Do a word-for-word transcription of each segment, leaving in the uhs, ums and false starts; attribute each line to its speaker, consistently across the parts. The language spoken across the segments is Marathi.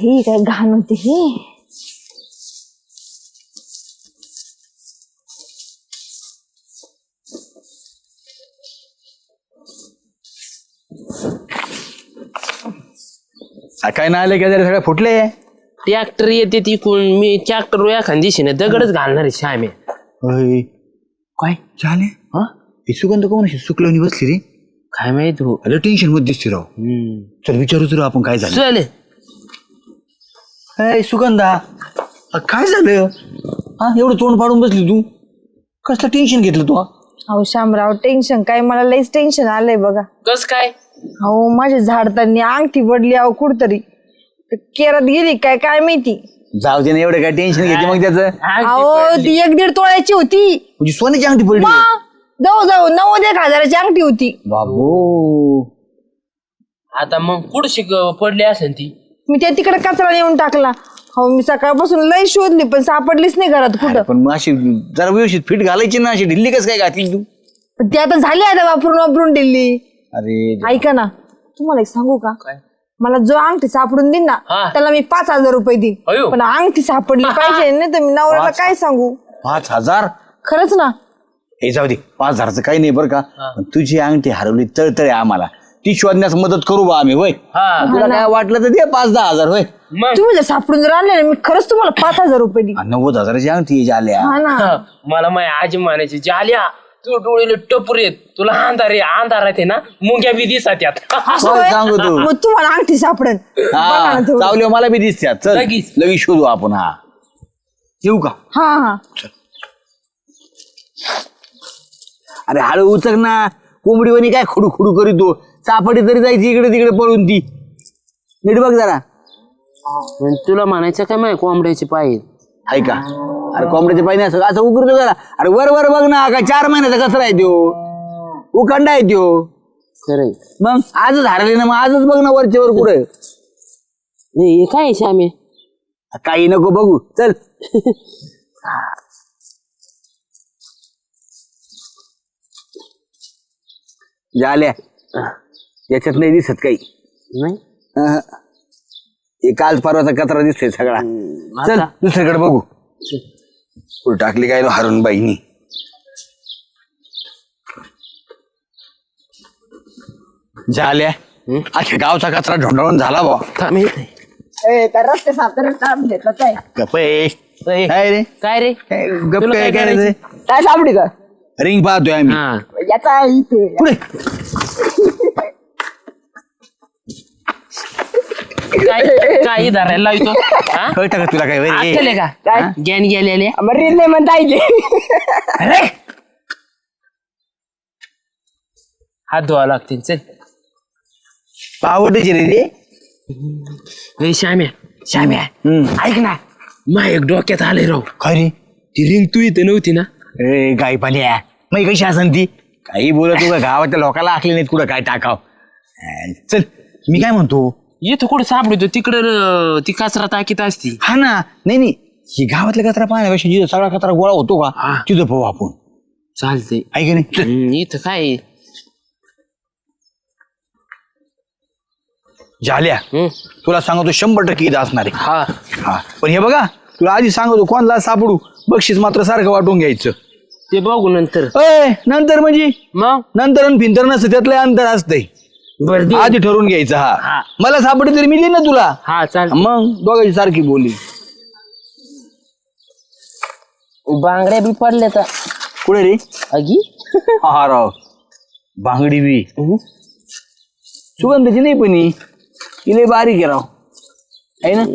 Speaker 1: बाई काय घाण होती ही.
Speaker 2: काय नाही आले काय सगळे फुटले.
Speaker 3: ट्रॅक्टर येते ती कोण मी ट्रॅक्टर एखाद दिशेने दगडच घालणार आहे श्यामे.
Speaker 2: काय झाले हा हे सुगंध कोण सुकलवणी बसली रे.
Speaker 3: काय माहित हो.
Speaker 2: अरे टेन्शन मध्ये दिसते राव. चल विचारू तुला आपण काय झालं.
Speaker 3: चल
Speaker 2: अय सुगंधा काय झालं हा एवढं तोंड पाडून बसली तू. कसलं टेन्शन घेतलं तू.
Speaker 1: अहो शामराव टेन्शन काय मला लईच टेन्शन आलंय बघा.
Speaker 3: कस काय.
Speaker 1: अहो माझ्या झाडताना अंगठी पडली अहो कुठतरी केरात गेली काय काय माहिती.
Speaker 2: जाऊ दे ना एवढं काय टेन्शन घेते मग त्याचं.
Speaker 1: अहो ती एक दीड तोळ्याची होती.
Speaker 2: म्हणजे सोन्याची अंगठी पडली.
Speaker 1: जाऊ जाऊ नव्वद एक हजाराची अंगठी होती.
Speaker 2: बाबू
Speaker 3: आता मग कुठशी पडली असेल ती.
Speaker 1: मी त्या तिकडे कचरा नेऊन टाकला. हो मी सकाळपासून लई शोधली पण सापडलीच नाही घरात कुठं.
Speaker 2: पण मग अशी जरा व्यवस्थित फिट घालायची ना अशी ढिल्ली कसं काय घातली तू.
Speaker 1: पण ती आता झाली आता वापरून वापरून दिली.
Speaker 2: अरे
Speaker 1: ऐका ना तुम्हाला एक सांगू का. मला जो अंगठी सापडून देईन ना त्याला मी पाच हजार रुपये देईन. पण अंगठी सापडली पाहिजे नाही तर मी नवऱ्याला काय सांगू.
Speaker 2: पाच हजार
Speaker 1: खरंच ना.
Speaker 2: हे जाऊ दे पाच हजारचं काही नाही बरं का. पण तुझी अंगठी हरवली तळतळे आम्हाला ती शोधण्यास मदत करू बा आम्ही. होय तुला काय वाटलं तर दे पाच दहा हजार. होय
Speaker 1: तुम्ही जर सापडून जर आणले ना मी खरंच तुम्हाला पाच हजार रुपये देईन.
Speaker 2: नव्वद हजाराची अंगठी झाल्या.
Speaker 1: हा ना
Speaker 3: मला माझ्या आजी म्हणायची जाल्या तू डोळेले टपूर येत तुला अंधार आहे अंधार आहे ना मुंग्या बी दिसत यात.
Speaker 2: सांगू तू
Speaker 1: मग तुम्हाला अंगठी सापडेल.
Speaker 2: चावल्या मला बी दिसत्या. चल
Speaker 3: लगेच.
Speaker 2: लगेच शोधू आपण. हा येऊ का.
Speaker 1: हा हा
Speaker 2: अरे हळू उचक ना कोंबडीवानी काय खुडू खुडू करीतो. चापडी तरी जायची इकडे तिकडे पळून ती. नीट बघ जरा.
Speaker 3: तुला म्हणायचं काय माहिती कोंबड्याचे पाय
Speaker 2: ऐका अरे कोंबड्याचे पाय नाही असं असं उकरतो जरा. अरे वर वर बघ ना काय चार महिन्याचा कचरा आहे त्यो. उखंडा आहे त्यो.
Speaker 3: खरंय
Speaker 2: मग आजच हरले ना मग आजच बघ ना वरच्या वर कुठे.
Speaker 3: हे काय श्यामे
Speaker 2: काही नको बघू चल. झाल्या याच्यात नाही दिसत काही
Speaker 3: नाही.
Speaker 2: अहं. हे काल परवाचा कचरा दिसतोय सगळा. चल दुसरीकडे बघू. कुठं टाकली काय हरून बाईनी. झाल्या अख्या गावचा कचरा ढोंढाळून झाला बा.
Speaker 1: रस्ते साफ काय
Speaker 2: गप्प आहे. काय रे
Speaker 3: काय रे
Speaker 2: काय गप्प
Speaker 3: तुला
Speaker 2: आहे
Speaker 3: काय
Speaker 2: काय रे.
Speaker 1: काय सापडी का
Speaker 2: रिंग पाहतोय आम्ही.
Speaker 3: हा
Speaker 1: याचा इथे
Speaker 2: पुढे
Speaker 3: काय काय धरायला लावतो
Speaker 2: कळतं का तुला काय रे?
Speaker 3: आठवले का काय ज्ञान गेलेले
Speaker 1: रील नाही म्हणता येईल.
Speaker 2: अरे
Speaker 3: हात धुवा लागतील चल.
Speaker 2: आवडते रे रे.
Speaker 3: ए, श्याम्या श्याम्या ऐक ना मा एक डोक्यात आले राव.
Speaker 2: काय रे
Speaker 3: ती रिंग तू इथे नव्हती ना.
Speaker 2: ए गाई पाल्या मग कशी असन ती काही बोलत तू गावातल्या लोकांना आखली नाहीत कुठं काय टाकाव. चल मी काय म्हणतो
Speaker 3: इथं कुठं सापडतो तिकडं ती कचरा टाकीत असती.
Speaker 2: हा ना नाही नाही ही गावातला कचरा पाहण्यापेक्षा जिथं सगळा कचरा गोळा होतो का तिथं पाहू आपण.
Speaker 3: चालते
Speaker 2: ऐक नाही चल.
Speaker 3: इथं काय
Speaker 2: झाल्या तुला सांगतो शंभर टक्के इथं असणार आहे.
Speaker 3: हा
Speaker 2: हा पण हे बघा तुला आधी सांगतो कोणाला सापडू बक्षीस मात्र सारखं वाटून घ्यायचं.
Speaker 3: ते बघू नंतर.
Speaker 2: अय नंतर म्हणजे
Speaker 3: मग
Speaker 2: नंतर आणि फिंतर नसतं त्यातलं अंतर असतंय.
Speaker 3: बरं
Speaker 2: आधी ठरवून घ्यायचं. हा मला सापडे तरी मी देईन ना तुला.
Speaker 3: हा चाल
Speaker 2: मग दोघांची सारखी बोली.
Speaker 3: बांगड्या बी पडल्या तर
Speaker 2: कुठे रे
Speaker 3: अगी
Speaker 2: हा राव बांगडी बी सुगंधाची नाही पण इले बारीक आहे राव आहे ना.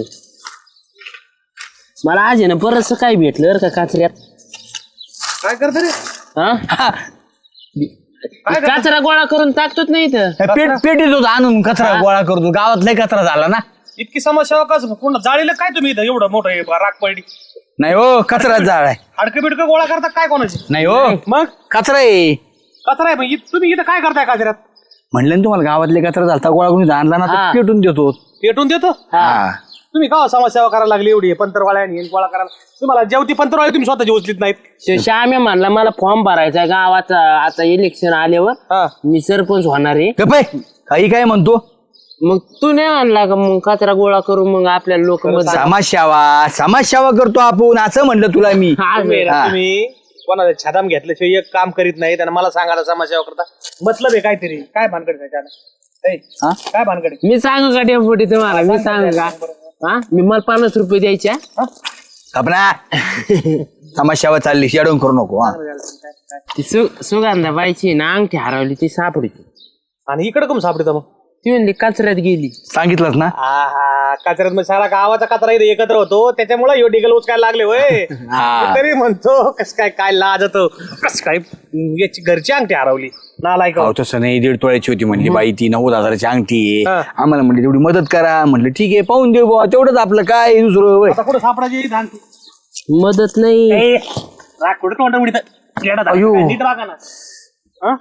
Speaker 3: मला आज आहे ना बरंच काय भेटलं बरं का काचऱ्यात.
Speaker 4: काय करतो रे
Speaker 3: हा कचरा गोळा करून टाकतोच नाही इथं.
Speaker 2: पेट पेटीत होता आणून कचरा गोळा करतो गावात लय कचरा झाला ना.
Speaker 4: इतकी समस्या कसं पूर्ण जाळीला काय तुम्ही इथं एवढं मोठं हे राख पडली
Speaker 2: नाही हो कचरा जाळ आहे.
Speaker 4: हाडकं बिडकं गोळा करता काय कोणाची
Speaker 2: नाही हो
Speaker 4: मग
Speaker 2: कचरा आहे.
Speaker 4: कचरा आहे मग इ- तुम्ही इथं काय करताय काजऱ्यात
Speaker 2: म्हणलं ना तुम्हाला गावातले कचरा झालता गोळा करून आणला ना
Speaker 3: हा.
Speaker 2: तर पेटून देतो.
Speaker 4: पेटून देतो
Speaker 2: हा
Speaker 4: तुम्ही का समाजसेवा करायला लागली एवढी पंतरवाळ्या आणि हे गोळा करायला तुम्हाला जेवती पंतरवाळे तुम्ही स्वतःची उचलीत नाहीत.
Speaker 3: श्याम्या म्हणला मला फॉर्म भरायचा गावात आता इलेक्शन आल्यावर
Speaker 4: हा
Speaker 3: मी सरपंच होणार आहे.
Speaker 2: गप्प आहे. काही काय म्हणतो
Speaker 3: मग तू नाही आणला का मग कचरा गोळा करू मग आपल्याला लोक
Speaker 2: समाजसेवा समाजसेवा करतो आपण असं म्हणलं तुला मी
Speaker 4: तुम्ही
Speaker 2: हा.
Speaker 4: तुम्ही कोणाला छादाम घेतल्याशिवाय एक काम करीत नाही त्यांना मला सांगायला समाजसेवा करता मतलब आहे काहीतरी काय भानगड आहे त्याच्यानं? ए,
Speaker 2: हा?
Speaker 4: काय भानगड आहे?
Speaker 3: मी सांगू का डेपुटी तुम्हाला मी सांगू का हा मी मला पन्नास रुपये द्यायच्या
Speaker 2: कपना समाजसेवा चालली शेडून करू नको हा.
Speaker 3: ती सु सुगंधा बाईची ना अंगठी हरवली ती सापडली
Speaker 4: आणि इकडे कम सापडतं मग
Speaker 3: ती म्हणली कचऱ्यात गेली.
Speaker 2: सांगितलंच ना
Speaker 4: आहा कचऱ्यात मग सारा गावाचा कचरा इथे एकत्र होतो त्याच्यामुळे यो डिगल उचकायला लागले होय
Speaker 2: हा.
Speaker 4: तरी म्हणतो कस काय काय लाज होतो कस काय याची घरची अंगठी हरवली नालायक
Speaker 2: अहो तसं नाही दीड तोळ्याची होती म्हणली बाई ती नव्वद हजाराची अंगठी आहे
Speaker 4: हा.
Speaker 2: आम्हाला म्हणली तेवढी मदत करा म्हणलं ठीक आहे पाहून देऊ बुवा तेवढंच आपलं काय दुसरं होय.
Speaker 4: आता कुठं सापडायची धान
Speaker 3: मदत नाही
Speaker 4: ए, राग कुठं तोंड उडीत येडा झाला.
Speaker 2: अयो.
Speaker 4: काय नीट वागा ना हा?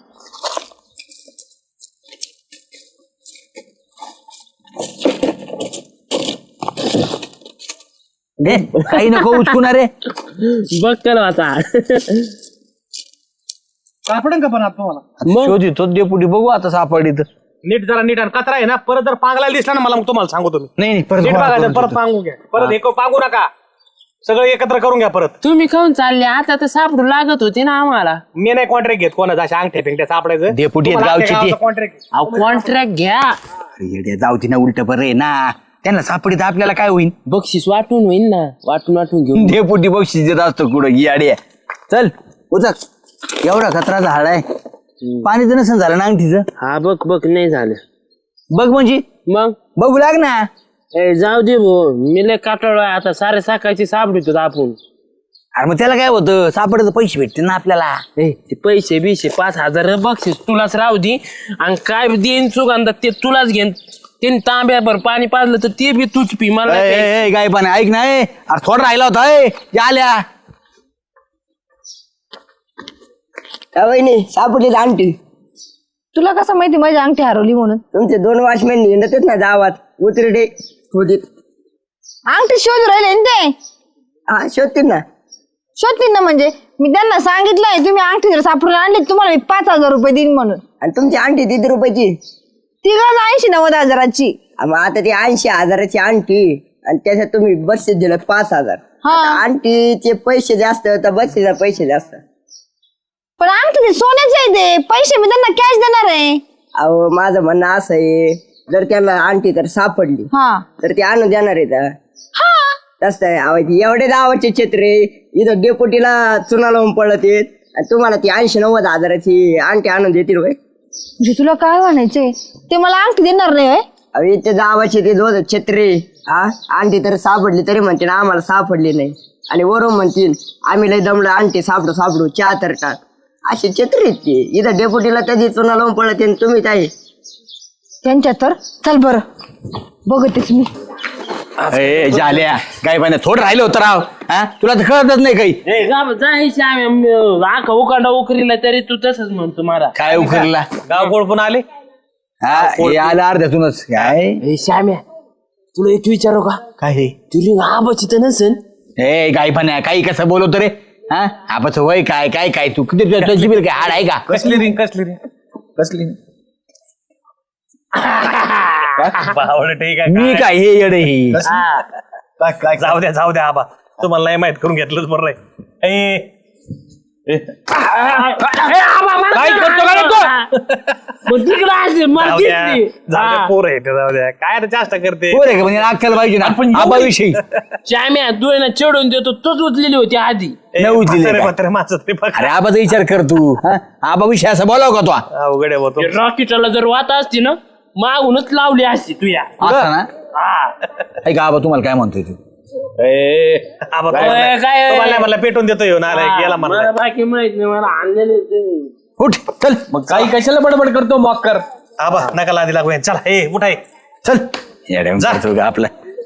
Speaker 2: घे, काही नको उचकुना रे
Speaker 3: बघ कर आता
Speaker 4: सापडेल का पण आता तुम्हाला
Speaker 2: शोधित तो डेपुटी बघू आता सापडी तर
Speaker 4: नीट जरा नीट आणि कचरा आहे ना परत जर पांगला दिसला ना मला मग तुम्हाला सांगू तुम्ही
Speaker 2: नाही नाही परत
Speaker 4: नीट
Speaker 2: गोळा
Speaker 4: बघायचं
Speaker 2: करून
Speaker 4: परत
Speaker 2: ठेवतो.
Speaker 4: पांगू घ्या परत एक पांगू नका सगळं एकत्र करून घ्या परत
Speaker 3: तुम्ही खाऊन चालले आता तर सापडू लागत होती ना आम्हाला.
Speaker 4: मी नाही कॉन्ट्रॅक्ट घेत कोणाचा अशा अंगठ्या पिंगट्या सापडायचं
Speaker 2: डेपुटी आहेत गावचे ते.
Speaker 4: कॉन्ट्रॅक्ट
Speaker 3: अहो कॉन्ट्रॅक्ट घ्या
Speaker 2: अरे येड्या, जाऊ ती ना उलट बरं आहे ना त्यांना सापडीत आपल्याला काय होईल
Speaker 3: बक्षीस वाटून होईन ना वाटून वाटून घेऊन
Speaker 2: डेपुटी बक्षीस देत असतो कुठं याडे चल उचक एवढा कचरा झाड आहे पाणी तर नसेल झालं ना अंगठीचं
Speaker 3: हा बघ बघ नाही झालं
Speaker 2: बघ म्हणजे
Speaker 3: मग
Speaker 2: बघू लाग ना
Speaker 3: ए जाऊ दे भो मी लय काटाळलोय आता सारे साकायची सापडतो आपण.
Speaker 2: अरे मग त्याला काय होतं सापडायचं पैसे भेटते ना आपल्याला
Speaker 3: ए ते पैसे बिशे पाच हजार बक्षीस तुलाच राहू दे आणि काय देईन सुगंधा ते तुलाच घेन त्यांनी तांब्याभर पाणी पाजलं तर ते बी तूच पी मला नाही प्यायचं.
Speaker 2: काय पण ऐक ना ए. अरे थोडा राहिला होता ए आल्या
Speaker 5: वहिनी सापडली अंगठी
Speaker 1: तुला कसं माहिती माझी अंगठी हरवली म्हणून?
Speaker 5: तुमचे दोन वॉचमॅन हिंडतच ना गावात उतरडे खोदीत
Speaker 1: अंगठी शोध राहिले ना ते
Speaker 5: हा शोधतील ना
Speaker 1: शोधतील ना म्हणजे मी त्यांना सांगितलंय तुम्ही अंगठी जर सापडून आणली तुम्हाला मी पाच हजार रुपये देईन म्हणून.
Speaker 5: आणि तुमची अंगठी किती रुपयाची
Speaker 1: ती गज ऐंशी नव्वद हजाराची.
Speaker 5: आ मग आता ती ऐंशी हजाराची अंगठी आणि त्याच्यात तुम्ही बक्षीस दिलं पाच हजार
Speaker 1: हा.
Speaker 5: आता अंगठीचे पैसे जास्त तर बक्षीसचे पैसे जास्त.
Speaker 1: पण अंगठी ते सोन्याचे आहे ते पैसे मी त्यांना कॅश देणार आहे.
Speaker 5: अहो माझं म्हणणं असं आहे जर त्यांना अंगठी तर सापडली
Speaker 1: हा
Speaker 5: तर ते आणून देणार आहे का
Speaker 1: हा
Speaker 5: तसं आहे अहो ती एवढे गावाचे क्षेत्रे इथं डेपोटीला चुना लावून पडत येत आणि तुम्हाला ती ऐंशी नव्वद हजाराची अंगठी आणून देतील होय.
Speaker 1: म्हणजे तुला काय म्हणायचंय ते मला अंगठी देणार नाही होय?
Speaker 5: अहो ते गावाचे ते दोन क्षेत्रे हा अंगठी तर सापडली तरी म्हणतील आम्हाला सापडली नाही आणि वरून म्हणतील आम्ही लय दमलं अंगठी सापडू सापडू चहा तर टाक असे क्षेत्र आहेत ते इथं डेपोटीला कधी चुना लावून पडत आणि तुम्ही काय
Speaker 1: त्यांच्या तर चल बरं बघतेच मी.
Speaker 2: ए झाल्या काय पण थोडं राहिलं होतं राव हा तुला तर कळतच नाही काही
Speaker 3: ए गाव जायची आम्ही आखा उकांडा उकरीला तरी तू तसंच म्हणतो मला.
Speaker 2: काय उखरला
Speaker 4: गाव कोण पण आले
Speaker 2: हा हे आलं अर्ध्यातूनच काय
Speaker 3: ए श्याम्या तुला एक विचारू का
Speaker 2: काय हे
Speaker 3: तुला आबाची तर नसेल.
Speaker 2: ए काय पण आहे काही कसं बोलवतो रे हा आपण वय काय काय काय तू किती तुझ्या तुझी बिल काय हाड आहे का
Speaker 4: कसली रिंग कसली रिंग
Speaker 2: कसली
Speaker 4: बावळं ठीक आहे
Speaker 2: मी काय हे येडे ही
Speaker 4: काय काय जाऊ द्या जाऊ द्या आबा तुम्हाला नाही माहित करून घेतलंच बरं आहे ए, ए, काय करतो काय करतो
Speaker 3: मग तिकडं असेल, मला
Speaker 4: जाऊ द्या
Speaker 3: दिसली.
Speaker 4: जाऊ द्या
Speaker 3: हा.
Speaker 4: पोर आहे ते, जाऊ द्या काय आता जास्त करते
Speaker 2: पोर आहे का म्हणजे अक्कल पाहिजे ना
Speaker 3: आपण
Speaker 2: आबा विषयी
Speaker 3: श्याम्या तू आहे ना चढून देतो तोच उचलेली होती आधी.
Speaker 4: ए,
Speaker 2: नऊ दिले
Speaker 4: म्हातारे
Speaker 2: काय?
Speaker 4: म्हातारे माणसं ते बघ.
Speaker 2: अरे आबाचा विचार कर तू हा? आबा विषय असं बोलाव का तो
Speaker 4: अवघड आहे होतो
Speaker 3: रॉकेटला जर वाता असती ना मागूनच लावली असती तू या.
Speaker 2: असं ना ऐक आबा तुम्हाला काय म्हणतोय तू
Speaker 4: आबा
Speaker 3: काय-
Speaker 4: तुम्हाला
Speaker 3: काय-
Speaker 4: तुम्हाला मला पेटून देतो येऊन आलाय गेला
Speaker 3: मला
Speaker 4: म्हणला
Speaker 3: बाकी माहित नाही मला आणलेले तुम्ही.
Speaker 2: उठ चल
Speaker 3: मग काही कशाला बडबड करतो मग कर.
Speaker 4: आबा नका लादी लागू यांना. चला ए उठाय
Speaker 2: चल येड्यावानी
Speaker 4: जा.
Speaker 2: करतो का आपला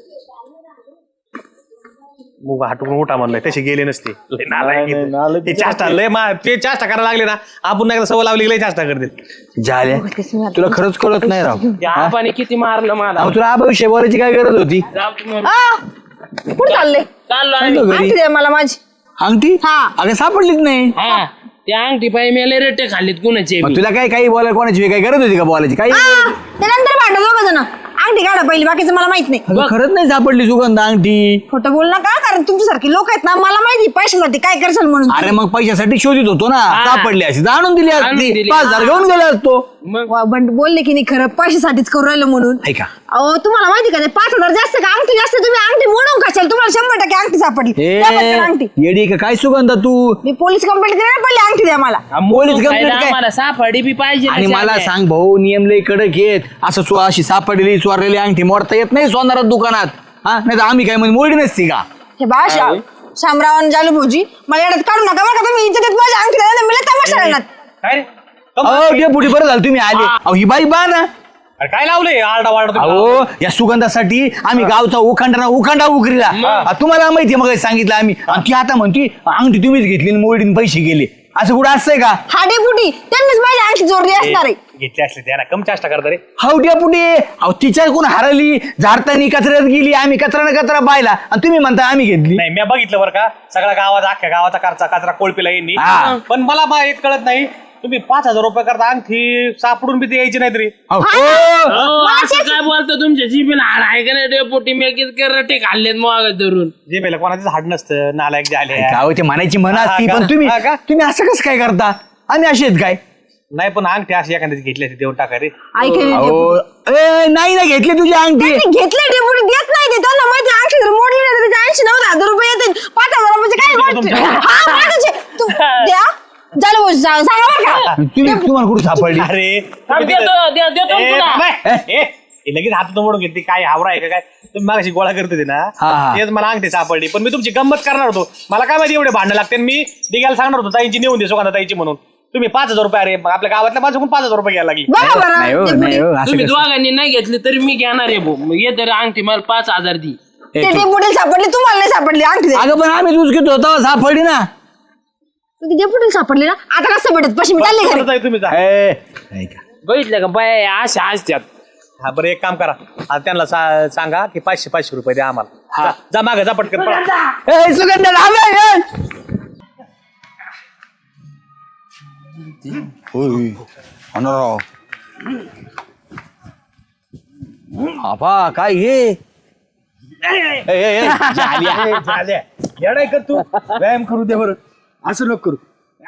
Speaker 4: मुग हाटून उठा म्हणलंय तशी गेले नसते लय नालायक आहे. ते चाष्टा लय मा ते चाष्टा करायला लागले ना आपण नाही सवय लावली की लय चाष्टा करतील
Speaker 2: झाल्या तुला खरंच कळत नाही राव
Speaker 3: त्या आबाने किती मारलं मला.
Speaker 2: अहो, तुला आबा विषय बोलायची काय गरज होती
Speaker 3: जाऊ तुम्ही.
Speaker 1: आ, कुठं चालले
Speaker 3: चाललो आम्ही.
Speaker 2: चाललो घरी
Speaker 1: अंगठी द्या मला माझी.
Speaker 2: अंगठी
Speaker 1: हा.
Speaker 2: अगं सापडलीच नाही
Speaker 3: हा त्या अंगठी पाय मेले रेटे खाल्लीत कुणाचे
Speaker 2: मग तुला काय काही बोलायला कोणाची काही गरज होती का बोलायची काही
Speaker 1: आ, ते नंतर भांडा दोघं जण अंगठी काढा पहिली, बाकीचं मला माहित नाही.
Speaker 2: अगं, खरंच नाही सापडली सुगंधा अंगठी.
Speaker 1: खोटं बोल नका, कारण तुमच्यासारखे लोक आहेत ना, मला माहिती पैशासाठी काय करशाल म्हणून.
Speaker 2: अरे मग पैशासाठी शोधित होतो ना, सापडली अशी आणून दिली
Speaker 3: आणून
Speaker 2: असती,
Speaker 3: दिली.
Speaker 2: पाच हजार घेऊन गेला असतो.
Speaker 3: मग
Speaker 1: वा, पण बोलले की नाही खरं, पैशासाठीच करू राहिलं म्हणून.
Speaker 2: ऐका
Speaker 1: अहो तुम्हाला माहिती का ते पाच हजार जास्त का अंगठी जास्त, तुम्ही अंगठी मोडून खाशाल, तुम्हाला शंभर टक्के अंगठी सापडली. द्या पटकन अंगठी.
Speaker 2: ए, येडी का काय सुगंधा तू?
Speaker 1: मी पोलीस कंप्लेंट करायला पडली, अंगठी द्या मला.
Speaker 2: पोलीस कंप्लेंट काय?
Speaker 3: आम्हाला सापडी बी पाहिजे ना
Speaker 2: आणि मला
Speaker 3: शाम्या.
Speaker 2: सांग भाऊ, नियम लय कडक आहेत. असं चो- अशी सापडलेली चोरलेली अंगठी मोडता येत नाही सोनारात दुकानात. हा नाही तर आम्ही काय म्हणजे मोडी नसती का?
Speaker 1: हे बा श्या- शामराव आणि जालू भाऊजी, मला येण्यात काढू नका बरं का, तुम्ही इज्जत देत माझ्या अंगठी द्या, नाही तर मला तमाशा राहणार.
Speaker 4: काय रे
Speaker 2: अहो डेपुटी बरं झालं तुम्ही आले. अहो ही बाई बा ना.
Speaker 4: अरे काय लावलंय आरडा वारडा तुम्ही?
Speaker 2: अहो या सुगंधासाठी आम्ही गावचा उखांडा उखांडा उकरीला. आ, तुम्हाला माहिती मग सांगितलं आम्ही. आणि ती आता म्हणती अंगठी तुम्हीच घेतली आणि मोडीने पैसे गेले. असं कुठं असतंय का?
Speaker 1: हा डेपुटी, त्यांनीच माझी अंगठी चोरली असणार आहे.
Speaker 4: घेतले असले त्याला कम चाष्टा करता रे.
Speaker 2: हाऊ डेपुटी, अहो तिच्या कोण हरली, झाडतानी कचऱ्यात गेली, आम्ही कचरा न कचरा पाहिला आणि तुम्ही म्हणता आम्ही घेतली.
Speaker 4: नाही मी बघितलं बरं का, सगळ्या गावात अख्ख्या गावाचा कचरा कचरा कोळपीला येईन.
Speaker 2: हा.
Speaker 4: पण मला बा एक कळत नाही, तुम्ही पाच हजार रुपये करता अंगठी सापडून बी ते यायची नाही तरी.
Speaker 2: अहो,
Speaker 3: अहो, असं काय बोलतो तुमच्या जीबीला हाड आहे का नाही डेपोटी? मेकीत करटे खाल्लेत मग धरून.
Speaker 4: जे पहिलं कोणाचं झाड नसतं, नालायक जे आले.
Speaker 2: काय होते म्हणायची म्हणा
Speaker 4: हा
Speaker 2: असती,
Speaker 4: का?
Speaker 2: पण तुम्ही
Speaker 4: हा का?
Speaker 2: तुम्ही असं कसं काय करता? आम्ही असे आहेत काय?
Speaker 4: नाही पण अंगठी अशी एखाद्याची घेतली असते देऊन टाका रे.
Speaker 1: ऐकले
Speaker 2: अहो, ए, नाही ना घेतली तुझी अंगठी.
Speaker 1: घेतलं डेपुटी, देत नाही ते, त्यांना माहिती अंगठी जर मोडली नाही तर त्याचे ऐंशी नव्वद हजार रुपये येतील. पाच हजार रुपयाचे काय वाटतं? हा, माझ्याचे. तू द्या झालं भाऊ, सांगा सांगा बरं का.
Speaker 2: तुम्ही तुम्हाला कुठे सापडली?
Speaker 4: अरे
Speaker 3: थांब, देतो दे- देतो
Speaker 4: ए,
Speaker 3: तुला.
Speaker 4: बाबा, ए, हे लगेच हातात मोडून घेतली. काय हावरा आहे का काय? तुम्ही मागाशी गोळा करत होते ना,
Speaker 2: हा, हा.
Speaker 4: तेच मला अंगठी सापडली. पण मी तुमची गंमत करणार होतो. मला काय माहिती एवढे भांडण लागते. मी दिघ्याला सांगणार होतो ताईंची नेऊन दे सुगंधा ताईची म्हणून. तुम्ही पाच हजार रुपये, अरे आपल्या गावातल्या माझ्याकडून पाच हजार रुपये घ्यायला लागली.
Speaker 1: बघा बरं
Speaker 2: नाही हो,
Speaker 1: डेपुटी.
Speaker 2: नाही हो, असं
Speaker 3: तुम्ही
Speaker 2: कसं?
Speaker 3: दोघांनी नाही घेतली तरी मी घेणार आहे भाऊ. मग ये तरी अंगठी मला पाच हजार दी.
Speaker 2: ए,
Speaker 1: ते
Speaker 2: तू-
Speaker 1: डेपुटीला सापडली, तुम्हाला नाही सापडली अंगठी द्या.
Speaker 2: अगं पण आम्ही तुझ घेतो तेव्हा सापडली ना.
Speaker 1: ती डेपुटीला सापडली ना, आता कसं भेटत पैसे? मी चालले घरी.
Speaker 4: परत आहे तुम्ही जा.
Speaker 2: ए, ऐका.
Speaker 3: बघितलं का बाय अशा असत्यात.
Speaker 4: हा बरं एक काम करा, आता त्यांना सा- सांगा की पाचशे पाचशे रुपये द्या आम्हाला. जा- जा माग जा पटकन पळा.
Speaker 2: ए, सुगंधा लाव, ए, ए. होय, होणाराव. आपा काय हे? ए, ए, ए, झाल्या.
Speaker 4: झाल्या. येडाय कर तू, व्यायाम करू दे बरं. असं नको करू.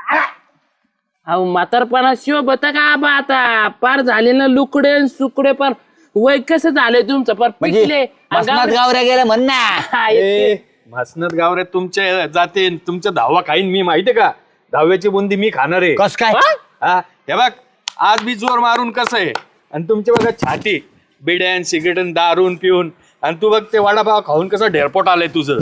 Speaker 3: अहो म्हातारपणा शिव बता का आबा आता पार झाले ना लुकडे न सुकडे, पण वय कसं झालंय तुमचं पार पिकले.
Speaker 2: म्हणजे मसनात गावऱ्या गेल्या म्हण ना.
Speaker 3: हा, येते.
Speaker 6: भासनात गावरे तुमच्या जाते तुमच्या दहावा खाईन मी, माहितीये का? दहाव्याची बुंदी मी खाणार आहे.
Speaker 2: कस काय?
Speaker 6: हा, हे बघ आज मी जोर मारून कसं आहे, आणि तुमचे बघा छाती बिड्यान सिगरेटन दारून पिऊन, आणि तू बघ ते वडापाव खाऊन कसं ढेरपोट आलंय तुझं.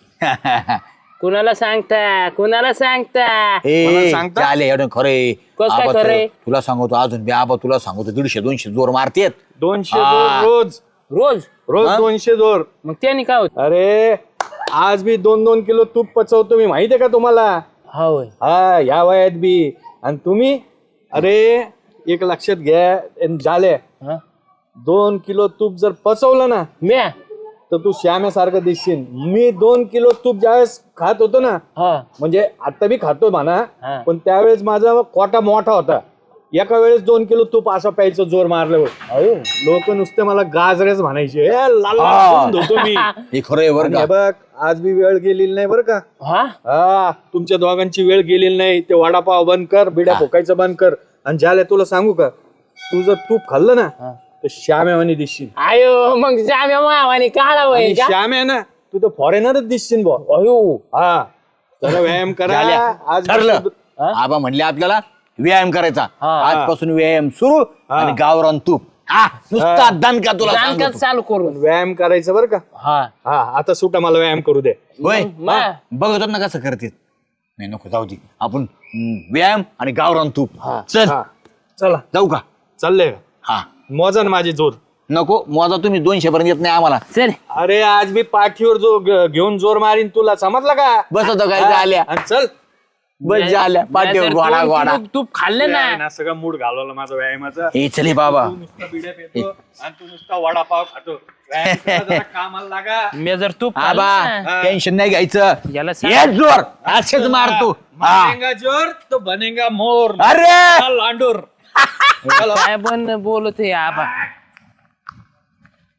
Speaker 3: कुणाला सांगता कुणाला सांगता?
Speaker 6: मला
Speaker 2: ए,
Speaker 6: सांगता?
Speaker 2: झाले एवढं खरे.
Speaker 3: कसं काय खरंय?
Speaker 2: तुला सांगतो अजून बी आबा, तुला सांगतो दीडशे दोनशे जोर मारतेत.
Speaker 6: दोनशे
Speaker 2: हा.
Speaker 6: जोर रोज
Speaker 3: रोज
Speaker 6: रोज
Speaker 2: हा?
Speaker 6: दोनशे जोर.
Speaker 3: मग त्याने काय होत?
Speaker 6: अरे आज मी दोन दोन किलो तूप पचवतो मी, माहितीये का तुम्हाला?
Speaker 3: होय.
Speaker 6: हा या वयात बी. आणि तुम्ही अरे एक लक्षात घ्या, आणि झाले
Speaker 3: हा?
Speaker 6: दोन किलो तूप जर पचवलं ना
Speaker 3: म्या
Speaker 6: तर तू श्याम्यासारखं दिसशील. मी दोन किलो तूप ज्यावेळेस खात होतो ना,
Speaker 3: हा
Speaker 6: म्हणजे आता बी खातो म्हणा,
Speaker 3: हा.
Speaker 6: पण त्यावेळेस माझा कोटा मोठा होता. एका वेळेस दोन किलो तूप असं प्यायचं जोर मारल्यावर लोक नुसते मला गाजरेच म्हणायचे. "ए, लाल लाल करून धुतो मी."
Speaker 2: हे खरं आहे बरं
Speaker 6: आणि
Speaker 2: का?
Speaker 6: हे बघ आज बी वेळ गेलेली नाही बरं का.
Speaker 3: हा
Speaker 6: हा तुमच्या दोघांची वेळ गेलेली नाही. ते वडापाव बंद कर, बिड्या फोकायचं बंद कर. आणि ज्याला तुला सांगू का, तू जर तूप खाल्लं ना तर श्याम्यावानी दिसशील.
Speaker 3: आयो मग जाम्या मावाने काढा
Speaker 6: आणि
Speaker 3: वय का?
Speaker 6: श्याम आहे ना, तू तर फॉरेनरच दिसशील बॉ.
Speaker 3: अयो
Speaker 6: हा जरा व्यायाम करा.
Speaker 2: झाल्या.
Speaker 6: आज
Speaker 2: ठरलं. आबा म्हणले आपल्याला व्यायाम करायचा.
Speaker 3: हा.
Speaker 2: आजपासून व्यायाम सुरू आणि गावरान तूप. हा, नुसता दणका तुला
Speaker 3: जाणकार
Speaker 2: सांगतो.
Speaker 3: चालू करून.
Speaker 6: व्यायाम करायचं बरं का.
Speaker 3: हा
Speaker 6: हा आता सुटा मला व्यायाम करू दे.
Speaker 2: होय
Speaker 3: मा.
Speaker 2: बघतो ना कसं करते. नाही नको जाऊ दे, आपण हम्म, व्यायाम आणि गावरान तूप. चल
Speaker 6: हा चला
Speaker 2: जाऊ का?
Speaker 6: चाललंय का?
Speaker 2: हा
Speaker 6: मोजा ना माझी जोर.
Speaker 2: नको मोजा, तुम्ही दोनशे पर्यंत येत नाही आम्हाला.
Speaker 3: चल
Speaker 6: अरे आज मी पाठीवर जो ग- घेऊन जोर मारीन तुला, समजलं का?
Speaker 2: बस होतं काय
Speaker 6: हा,
Speaker 2: आल्या
Speaker 6: आणि चल.
Speaker 2: बस झाल्या पाठीवर
Speaker 3: नाहीतर
Speaker 2: गोडा
Speaker 3: दोन
Speaker 2: गोडा.
Speaker 3: किलो तूप खाल्ले ना.
Speaker 6: ना सगळं मूड घालवलं माझा व्यायामाचा.
Speaker 2: ए चले बाबा.
Speaker 6: तू नुसता बिड्या पितो आणि तू नुसता वडापाव खातो. व्यायाम करा जरा, कामाला लागा.
Speaker 3: मी जर तूप
Speaker 2: आबा
Speaker 3: खाल्लं ना,
Speaker 2: टेन्शन नाही घ्यायचं.
Speaker 3: याला सांग.
Speaker 2: ये जोर असेच मारतो. हा.
Speaker 6: बनेगा जोर तो बनेगा मोर.
Speaker 2: अरे
Speaker 6: लांडूर.
Speaker 3: काय पण बोलत आहे आबा.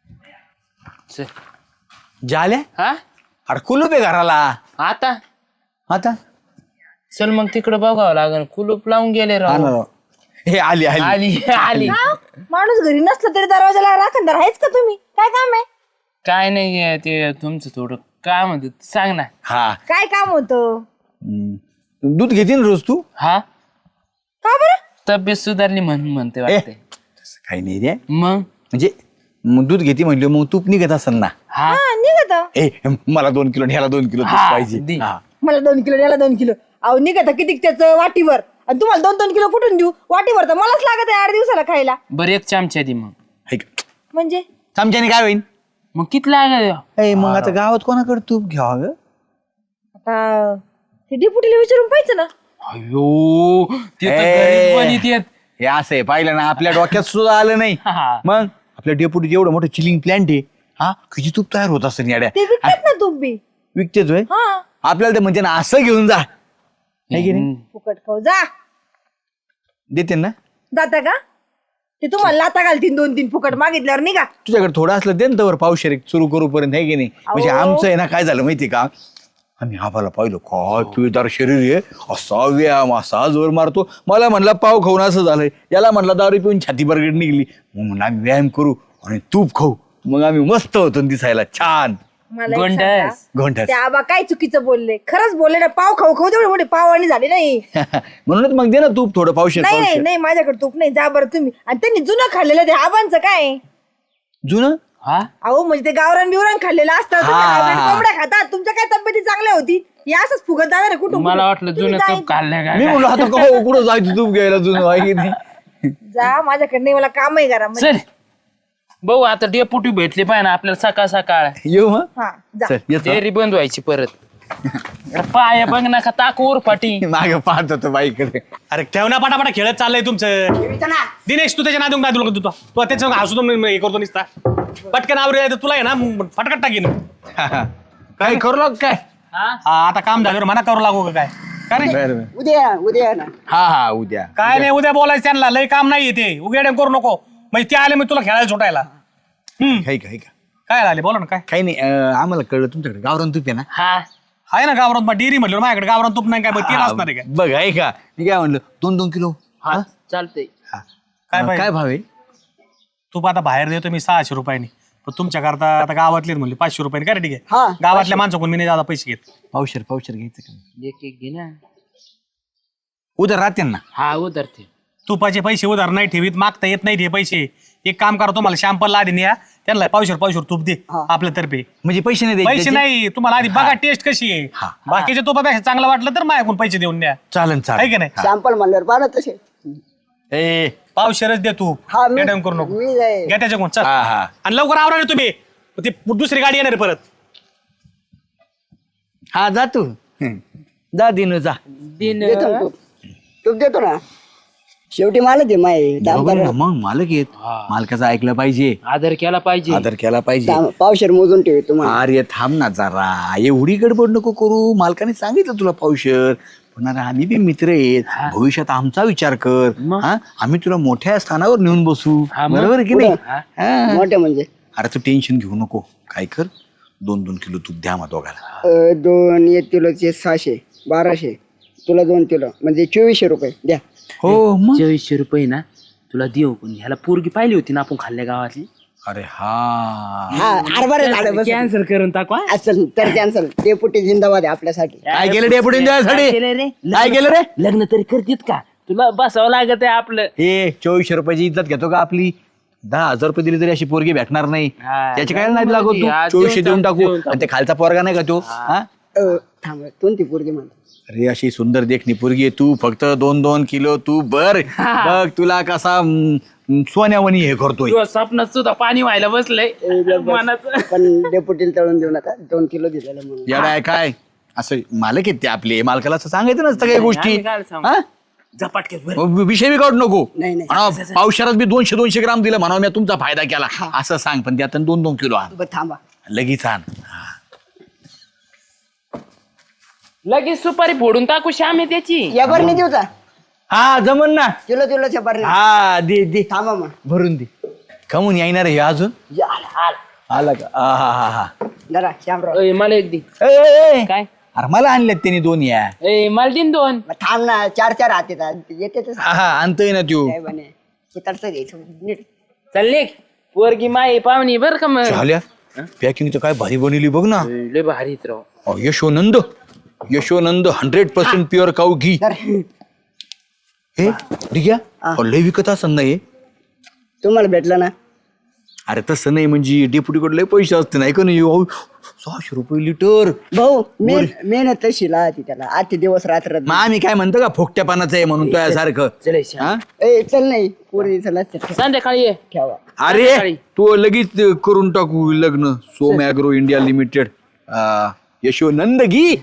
Speaker 3: चल.
Speaker 2: झाल्या
Speaker 3: हा
Speaker 2: अरे कुलूप आहे घराला
Speaker 3: आता
Speaker 2: आता
Speaker 3: चल मग तिकडे बघावं लागेल कुलूप लावून गेले
Speaker 2: हा
Speaker 3: राव
Speaker 2: ना राव. हे आली आली
Speaker 3: आली आली
Speaker 1: हा? माणूस घरी नसला तरी दरवाजाला राखणदार आहेच का तुम्ही? काय काम आहे?
Speaker 3: काय नाही ते तुमचं थोडं काय म्हणत सांग ना.
Speaker 2: हा
Speaker 1: काय काम होतं?
Speaker 2: हम्म. दूध घेते ना रोज तू
Speaker 3: हा
Speaker 1: का बरं?
Speaker 3: तब्येत सुधारली म्हणून म्हणते
Speaker 2: ए
Speaker 3: वाटते.
Speaker 2: तसं काही नाही रे
Speaker 3: मग
Speaker 2: म्हणजे मग दूध घेते म्हणलं मग तूप निघत असेल ना
Speaker 3: हा
Speaker 1: हा निघत.
Speaker 2: ए मला दोन किलो ह्याला दोन किलो तूप
Speaker 3: हा,
Speaker 2: पाहिजे
Speaker 3: दे.
Speaker 2: हा.
Speaker 1: मला दोन किलो याला दोन किलो. अहो निघत किती त्याचं वाटीवर, आणि तुम्हाला दोन दोन किलो कुठून देऊ? वाटीवर तर मलाच लागत आहे आठ दिवसाला खायला.
Speaker 3: बरं एक चमचा दे मग.
Speaker 2: हे का?
Speaker 1: म्हणजे
Speaker 2: चमच्याने काय होईल
Speaker 3: मग किती लागत
Speaker 2: ए मग आता गावात कोणाकडे तूप घ्यावा ग
Speaker 1: आता ते डिपुटीला विचारून पाहिजे ना.
Speaker 3: अयो ते तर
Speaker 2: ए.
Speaker 3: गरीब बनीत येत.
Speaker 2: हे असं आहे पाहिलं ना आपल्या डोक्यात सुद्धा आलं नाही
Speaker 3: हा.
Speaker 2: मग आपल्या डेपुटी एवढं मोठं चिलिंग प्लांट आहे हा किती तूप तयार होत असतं याड्या
Speaker 1: ते विकतात ना तूप बी.
Speaker 2: विकतेच होय
Speaker 1: हा
Speaker 2: आपल्याला ते म्हणते ना असं घेऊन जा है की नाही
Speaker 1: फुकट खाऊ जा.
Speaker 2: देते ना
Speaker 1: जाता का? ते तुम्हाला लाता घालतील दोन तीन फुकट मागितल्यावर निघा.
Speaker 2: तुझ्याकडे थोडं असलं दे ना तवर पावशेर सुरू करूपर्यंत आहे की नाही म्हणजे
Speaker 1: अहो.
Speaker 2: आमचं आहे ना काय झालं माहिती का आम्ही आम्हाला पाहिलं काय पिळदार शरीर आहे असा व्यायाम असा जोर मारतो मला म्हणला पाव खाऊन असं झालंय याला म्हणला दारू पिऊन छाती बरगड निघली मग म्हणलं आम्ही व्यायाम करू आणि तूप खाऊ मग आम्ही मस्त होतो न दिसायला छान
Speaker 1: मला एक
Speaker 3: गोंडस.
Speaker 1: सांगा,
Speaker 2: घोंटास
Speaker 1: ते आबा काय चुकीचं बोलले? खरंच बोलले ना. पाव खाऊ खाऊ तेवढे मोठे पाव आणि झाले नाही.
Speaker 2: म्हणूनच मग दे ना तूप थोडं पावशेर
Speaker 1: नाही नाही
Speaker 2: पावशेर
Speaker 1: नाही माझ्याकडे तूप नाही. जा बरं तुम्ही. आणि त्यांनी जुनं खाल्लेलं ते आबांचं काय?
Speaker 2: जुनं
Speaker 3: हा
Speaker 1: अहो म्हणजे ते गावरान बिवरान खाल्लेलं असतं. तुम्ही
Speaker 2: हा.
Speaker 1: hybrid कोंबड्या खातात. तुमच्या काय तब्येती चांगल्या होती? हे असंच फुगत जाणार आहे कुठून
Speaker 3: मला
Speaker 1: कुठून.
Speaker 3: वाटलं
Speaker 1: तुम्ही
Speaker 3: जुनं
Speaker 1: जा
Speaker 3: तूप खाल्लं
Speaker 2: मी
Speaker 3: काय
Speaker 2: म्हणलो आता का कुठं जायचं तूप घ्यायला जुनं आहे की नाही
Speaker 1: जा माझ्याकडे नाही. मला काम आहे घरा.
Speaker 3: चल भाऊ आता डेपुटी भेटली पाहिजे ना आपल्याला सकाळ सकाळ
Speaker 2: येऊ मग
Speaker 1: हा जा.
Speaker 2: चल येतो
Speaker 3: डेअरी बंद व्हायची परत पाय बघ ना का ताकूर फाटी
Speaker 2: मागे पाहत होतो बाईकडे
Speaker 4: अरे ठेव ना पटापटा खेळत चाललंय तुमचं दिनेश तू त्याच्या नादून काय तुला तू तू त्याच्या हसू तो हे करतो निसता पटकन आवरे तुला आहे ना फटकट टाकीन
Speaker 2: काय करू लाग काय
Speaker 4: हा, आता काम झाल्यावर म्हणा करू लागू का काय का रे
Speaker 2: बरं बरं.
Speaker 5: उद्या उद्या ना
Speaker 2: हा हा उद्या
Speaker 4: काय नाही उद्या बोलायचं त्यांना लय काम नाही ते उघड्या करू नको म्हणजे ते आले मी तुला खेळायला सुटायला हम्म
Speaker 2: काही काही का
Speaker 4: काय आले बोला ना काय
Speaker 2: काही नाही अं, आम्हाला कळलं तुमच्याकडे गावरान तूप आहे ना
Speaker 3: हा
Speaker 4: आहे ना गावरान डेअरी म्हटलं माझ्याकडे गावरान तूप नाही काय बघ तेल असणार आहे काय
Speaker 2: बघ आहे का मी काय म्हणलं दोन दोन किलो
Speaker 3: हा चालतंय
Speaker 2: हा.
Speaker 4: काय
Speaker 2: अं,
Speaker 4: पाहिजे?
Speaker 2: काय भाव आहे
Speaker 4: तूप आता बाहेर देतो मी सहाशे रुपयांनी पण तुमच्या करता आता गावातले म्हणले पाचशे रुपयांनी काय रे ठीक
Speaker 5: हा,
Speaker 4: आहे गावातल्या माणसाकडून मी नाही जादा पैसे घेत
Speaker 2: पावशेर पावशेर घ्यायचं का
Speaker 3: एक एक घे ना
Speaker 2: उद्या राहते ना
Speaker 3: हा उतरते
Speaker 4: तुपाचे पैसे उधार नाही ठेवीत मागता येत नाही ते पैसे एक काम करा तुम्हाला शॅम्पल आधी न्या त्यांना पावशेर पावशेर तूप दे आपल्यातर्फे
Speaker 2: म्हणजे पैसे नाही द्यायचे
Speaker 4: पैसे
Speaker 2: त्याचे?
Speaker 4: नाही तुम्हाला आधी बघा टेस्ट कशी आहे
Speaker 2: हा.
Speaker 4: बाकीच्या तुपापेक्षा चांगलं वाटलं तर माझ्याकडून पैसे देऊन द्या
Speaker 2: चालन
Speaker 4: आहे की
Speaker 2: चालेल
Speaker 4: नाही
Speaker 5: सॅम्पल म्हणल्यावर पाहा तसे
Speaker 2: ए
Speaker 4: पावशेरच दे तू
Speaker 5: हा मी
Speaker 4: मॅडम करू नको
Speaker 5: मी जाईल.
Speaker 4: घ्या त्याच्याकडून चल
Speaker 2: हा हा
Speaker 4: आणि लवकर आवरा रे तुम्ही ते दुसरी गाडी येणार आहे परत
Speaker 2: हा जा तू हं. जा दिनू जा
Speaker 3: दिन
Speaker 5: देतो ना तूप. तूप देतो ना शेवटी मला दे माय
Speaker 2: बरोबर आहे ना, मग मालक येत मालकाचं ऐकलं पाहिजे
Speaker 3: आदर केला पाहिजे
Speaker 2: आदर केला पाहिजे
Speaker 5: पावशेर मोजून ठेव तुम्हाला
Speaker 2: अरे थांब ना जरा एवढी गडबड नको करू मालकाने सांगितलं तुला पावशेर पण अरे आम्ही बी मित्र आहेत भविष्यात आमचा विचार कर हा आम्ही तुला मोठ्या स्थानावर नेऊन बसू
Speaker 3: हा, मग.
Speaker 2: बरोबर आहे की नाही
Speaker 3: हा.
Speaker 2: हा.
Speaker 5: मोठे म्हणजे
Speaker 2: अरे तू टेन्शन घेऊ नको काय कर दोन दोन किलो तूप द्या मग दोघाला
Speaker 5: अं, दोन एक किलोचे सहाशे बाराशे तुला दोन किलो म्हणजे चोवीसशे रुपये द्या
Speaker 2: हो मग
Speaker 3: चोवीसशे रुपये ना तुला देऊ पण ह्याला पोरगी पाहिली होती ना आपण खाल्ल्या गावातली
Speaker 2: अरे हा
Speaker 5: हा हरभरे झालं बस
Speaker 3: कॅन्सल करून टाकू हा?
Speaker 5: असेल तर कॅन्सल ते पुटी जिंदाबाद आहे आपल्यासाठी
Speaker 2: काय केलं डेपुटी द्यायसाठी
Speaker 3: काय केलं रे
Speaker 2: काय केलं रे
Speaker 3: लग्न तरी करतेत का तुला बसावं लागत आहे आपलं
Speaker 2: हे चोवीसशे रुपयाची इज्जत घेतो का आपली दहा हजार रुपये दिली तरी अशी पोरगी भेटणार नाही
Speaker 3: हा,
Speaker 2: त्याची काय नाही लागत तू
Speaker 3: हा,
Speaker 2: चोवीसशे
Speaker 3: देऊन
Speaker 2: देऊन
Speaker 3: टाक,
Speaker 2: टाकू
Speaker 3: देऊन टाक.
Speaker 2: आणि ते खालचा पोरगा नाही का तो हा
Speaker 5: अं, थांब कोणती पोरगी म्हणतो
Speaker 2: अरे अशी सुंदर देखणी पोरगी आहे तू फक्त दोन दोन किलो तू बर बघ तुला कसा हम्म, सोन्यावणी हे करतोय
Speaker 3: तुझ्या स्वप्नात सुद्धा पाणी व्हायला बसलंय मनाचं
Speaker 5: पण डेपुटीला तळून देऊ नका दोन किलो दिलेलं म्हणून
Speaker 2: याला आहे काय असं मालक आहेत ते आपले मालकाला असं सांगायचं नसतं काही गोष्टी
Speaker 3: आम्ही काय सांगू?
Speaker 2: हा?
Speaker 3: झपाटक्यात भर.
Speaker 2: विषय बी काढू नको
Speaker 5: नाही, नाही.
Speaker 2: म्हणा, पावसाळ्यात बी दोनशे दोनशे ग्राम दिलं म्हणा मी तुमचा फायदा केला असं सांग पण त्यात दोन दोन किलो आण
Speaker 5: बरं, थांबा
Speaker 2: लगेच आण
Speaker 3: लगेच सुपारी फोडून टाकू श्याम आहे त्याची
Speaker 5: या बरणी देऊ का
Speaker 2: हा जमन ना
Speaker 5: किलो किलोच्या बरणी
Speaker 2: हा दे दे
Speaker 5: थांबा मग
Speaker 2: भरून दे कमून येणार हे अजून
Speaker 5: या, आला, आला.
Speaker 2: आला का आ, हा हा हा
Speaker 5: जरा श्यामराव
Speaker 3: ए, मला एक दे
Speaker 2: ए, ए, ए.
Speaker 3: काय
Speaker 2: अरे मला आणल्यात त्यांनी दोन या
Speaker 3: ए मला दिन दोन
Speaker 5: मग थांब ना चार चार हात येतात येते तर
Speaker 2: हा हा आणतोय ना तू
Speaker 5: काय बने उतरतं द्यायचं नीट
Speaker 3: चालले पोरगी माई पाहुणी बर का मग
Speaker 2: झाल्या पॅकिंग तर काय भारी बनवली बघ ना
Speaker 3: लय भारीच राव
Speaker 2: अ, Yashonand Yashonand hundred percent pure cow ghee
Speaker 5: तर
Speaker 2: हे ठीक आहे लय विकत असं नाही
Speaker 5: तुम्हाला भेटलं ना
Speaker 2: अरे तसं नाही म्हणजे डेप्युटीकडे लय पैसे असते नाही का नाही अहो, सहाशे रुपये लिटर
Speaker 5: भाऊ मेन मेहनत तशी लाहती त्याला आजचे दिवस रात्र
Speaker 2: मग आम्ही काय म्हणतो का फोकट्या पानाचं आहे म्हणून तो सारखं
Speaker 3: चल श्याम.
Speaker 2: हा?
Speaker 5: ए चल नाही पोरी चल असते
Speaker 3: संध्याकाळी ये
Speaker 5: ठेवा
Speaker 2: अरे तू लगेच करून टाकू लग्न Som agro India limited Yashonand ghee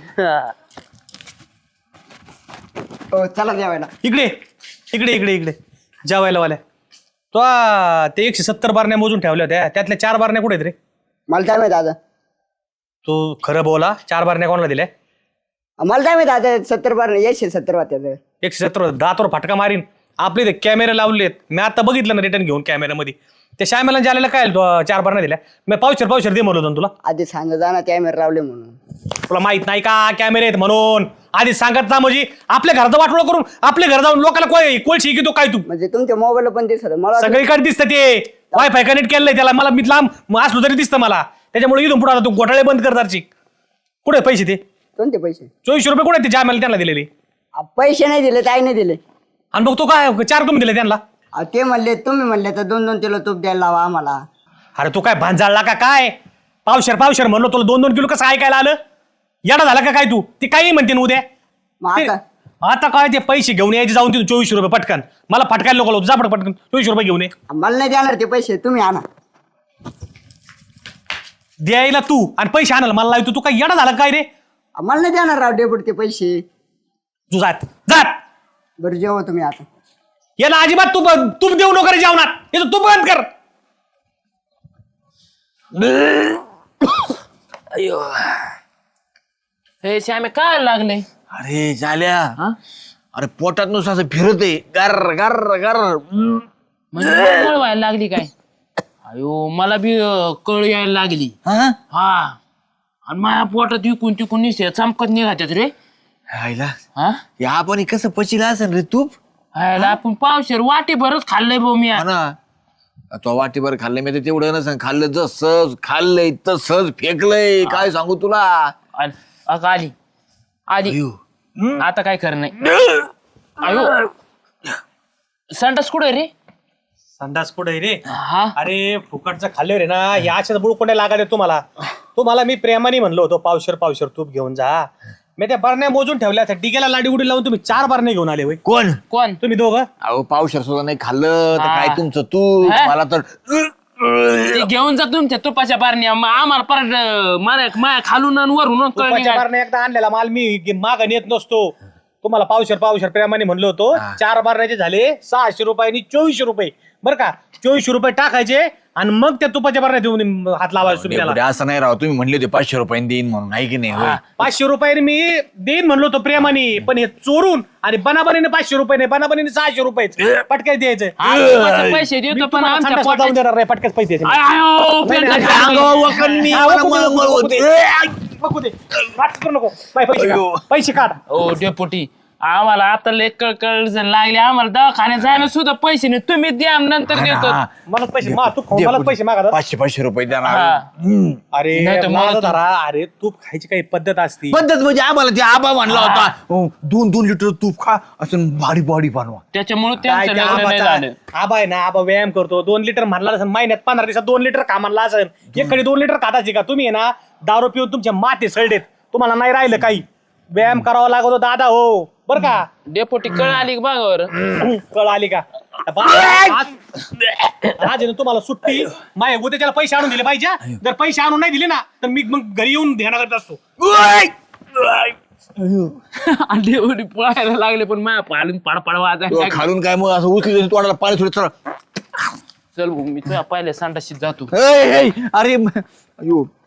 Speaker 5: हो चला जेवायला
Speaker 4: इकडे इकडे इकडे इकडे जेवायला वाल्या तो आ, ते एकशे सत्तर बारण्या मोजून ठेवल्या होत्या त्यातल्या चार बारण्या कुठे आहेत रे
Speaker 5: मला काय माहित आता
Speaker 4: तू खरं बोला चार बारण्या कोणाला दिल्या
Speaker 5: मला काय माहित आता सत्तर बार एकशे सत्तर वाट्याचं
Speaker 4: एकशे सत्तर दातवर फटका मारीन आपले ते कॅमेरे लावलेत मी आता बघितलं ना रिटर्न घेऊन कॅमेऱ्यामध्ये त्या श्यामेला ज्याला काय तू, अं, चार बारण्या दिल्या मी पावशर पावशर दे म्हणलो होतो ना तुला
Speaker 5: आधी सांग जा ना कॅमेरा लावले म्हणून
Speaker 4: तुला माहित नाही का कॅमेरे आहेत म्हणून आधी सांगत ना म्हणजे आपल्या घराचं वाटोळं करून आपल्या घर जाऊन लोकांना कोय कोळशी की तो काय तू
Speaker 5: म्हणजे तुमच्या मोबाईल पण दिसत मला वाटलं-
Speaker 4: सगळीकडे दिसतं ते वायफाय कनेक्ट केलंय त्याला मला मी लांब असलो तरी दिसतं मला त्याच्यामुळे इथून पुढे आता तू घोटाळे बंद कर दारची कुठे आहेत पैसे ते
Speaker 5: कोणते पैसे
Speaker 4: चोवीसशे रुपये कुठे आहेत ते जामेला त्यांना दिलेले
Speaker 5: आ, पैसे नाही दिले ताई नाही दिले
Speaker 4: आणि बघ तो काय चार तुम्ही दिले त्यांना
Speaker 5: आ, ते म्हणले तुम्ही म्हणले तर दोन दोन किलो तूप द्यायला लावा आम्हाला
Speaker 4: अरे तू काय भांजाळला का काय पावशर पावशर म्हणलो तुला दोन दोन किलो कसं ऐकायला आलं येडा झाला का काय तू ते काही म्हणते ना उद्या
Speaker 5: मग
Speaker 4: ते-
Speaker 5: आता
Speaker 4: आता काय ते पैसे घेऊन यायचे जाऊन तिथून चोवीसशे रुपये पटकन मला फटकायला नको जा पट- पटकन चोवीसशे रुपये घेऊन ये
Speaker 5: मला नाही देणार ते पैसे तुम्ही आणा
Speaker 4: द्यायला तू आणि पैसे आणायला मला लावतो तू काय येडा झाला काय रे
Speaker 5: आ, मला नाही देणार राव डेपुट ते पैसे
Speaker 4: तू जात जात
Speaker 5: बरं जेवा तुम्ही आता
Speaker 4: याला अजिबात तू तूप देऊ नको रे जेवणात याचं तूप बंद कर
Speaker 3: हे श्यामे काय लागले
Speaker 2: अरे झाल्या अरे पोटात नुसतं असं फिरत आहे गर गर गर
Speaker 3: म्हणजे मला व्हायला लागली काय अयो मला बी अं, कळ यायला लागली
Speaker 2: हा
Speaker 3: हा आणि माझ्या पोटात विकून तिकून निसे चमकत निघातात रे
Speaker 2: आईला
Speaker 3: हा
Speaker 2: या आपण कसं पचिला असेल रे तूप
Speaker 3: हायला आपण पावशेर वाटे भरच खाल्लंय भाऊ मी
Speaker 2: हा ना तो वाटीभर खाल्लंय मी तर तेवढं नसेल खाल्लं जसं खाल्लंय तसंच फेकलंय काय सांगू तुला
Speaker 3: आल- अगं आली आली
Speaker 2: अयो.
Speaker 3: आता काय कर नाही अयो संडास कुठे रे
Speaker 4: संडास पुढे रे
Speaker 3: हा
Speaker 4: अरे फुकटचं खाल्ले रे ना या अशाच बुळकोंड्या लागायला तुम्हाला तुम्हाला मी प्रेमाने म्हणलो होतो पावशर पावशर तूप घेऊन जा मी त्या बरण्या मोजून ठेवल्या त्या डिगेला लाडी उडी लावून तुम्ही चार बरण्या घेऊन आले होय
Speaker 2: कोण
Speaker 3: कोण
Speaker 4: तुम्ही दोघं
Speaker 2: अहो पावशर सुद्धा नाही खाल्लं तर
Speaker 3: हा.
Speaker 2: काय तुमचं तूप
Speaker 3: हा?
Speaker 2: मला तर
Speaker 3: ते घेऊन जा तुमच्या तुपाच्या बारण्या मग आम्हाला परत अं, मारा माया खालून आणि वरून कळणी
Speaker 4: तुपाच्या बारण्या एकदा आणलेला माल मी माग नेत नसतो तुम्हाला पावशर पावशर प्रेमाने म्हणलो होतो चार बारण्याचे झाले सहाशे रुपयांनी चोवीसशे रुपये बरं का चोवीसशे रुपये टाकायचे आणि मग त्या तुपाच्या बारण्या देऊन हात लावायचे तुम्ही त्याला
Speaker 2: डेपुटी, असं नाही राव तुम्ही म्हणले होते पाचशे रुपयांनी देईन म्हणून आहे की नाही होय?
Speaker 4: पाचशे रुपयाने मी देईन म्हणलो होतो प्रेमाने पण हे चोरून आणि बनाबनीने पाचशे रुपये नाही बनाबनीने सहाशे रुपये पटक्याच द्यायचं
Speaker 3: तुपाचे पैसे देतो पण आमच्या
Speaker 4: जाऊन
Speaker 3: पोटात
Speaker 4: देणार नाही पटक्याच पैसे द्यायचे.
Speaker 3: आय, आयो,
Speaker 4: नाही, नाही,
Speaker 3: पेंटा-
Speaker 2: अंगावर वखर मी,
Speaker 4: हा,
Speaker 2: मला
Speaker 4: वखर
Speaker 2: मळमळ
Speaker 4: नको,
Speaker 2: होते.
Speaker 4: बघू दे नाटक करू नको बाय, पैसे
Speaker 2: अयो.
Speaker 4: काढ. पैसे काढ
Speaker 3: ओ डेपुटी आम्हाला आता लय कळकळ लागले आम्हाला दवाखान्यात जायला सुद्धा पैसे नाही तुम्ही द्या नंतर देतो
Speaker 2: हा.
Speaker 4: मला पैसे मा तू खाऊन मला पैसे मागा
Speaker 2: पाचशे पाचशे रुपये देणार
Speaker 3: हा.
Speaker 2: हम्म.
Speaker 4: अरे
Speaker 3: नाही तर मला
Speaker 4: माझं
Speaker 3: तू-
Speaker 4: धरा अरे तूप खायची काही पद्धत असती
Speaker 2: पद्धत म्हणजे आम्हाला ते आबा म्हणला होता अहो, दोन दोन लिटर तूप खा असं भारी बॉडी बनवा
Speaker 3: त्याच्यामुळे
Speaker 4: काय
Speaker 3: त्यांचं
Speaker 4: ते
Speaker 3: लग्न नाही
Speaker 4: आबाचा-
Speaker 3: झालं
Speaker 4: आबा आहे ना आबा व्यायाम करतो दोन लिटर म्हणला असेल महिन्यात पंधरा दिवसात दोन लिटर कामाला असेल एकडे दोन लिटर खाताची का तुम्ही आहे ना दारू पिऊन तुमच्या माते सळडेत तुम्हाला नाही राहिलं काही व्यायाम करावा लागतो दादा हो बर का
Speaker 3: डेपुटी कळ आली का बघावर
Speaker 4: कळ आली का बा- आज आज आहे ना तुम्हाला सुट्टी माय उद्याच्याला पैसे आणून दिले पाहिजे जर पैसे आणून नाही दिले ना तर मी मग घरी येऊन ध्यान करत असतो
Speaker 3: डेपुटी पळायला लागले पण माझ्या पाडून पाडपाड वाजायला
Speaker 2: खालून काय मग असं उचली तोंडाला पाणी थोडं चला
Speaker 3: चल भाऊ, मी तुझ्या पहिल्या संडाशीत जातो
Speaker 2: अरे म- अयो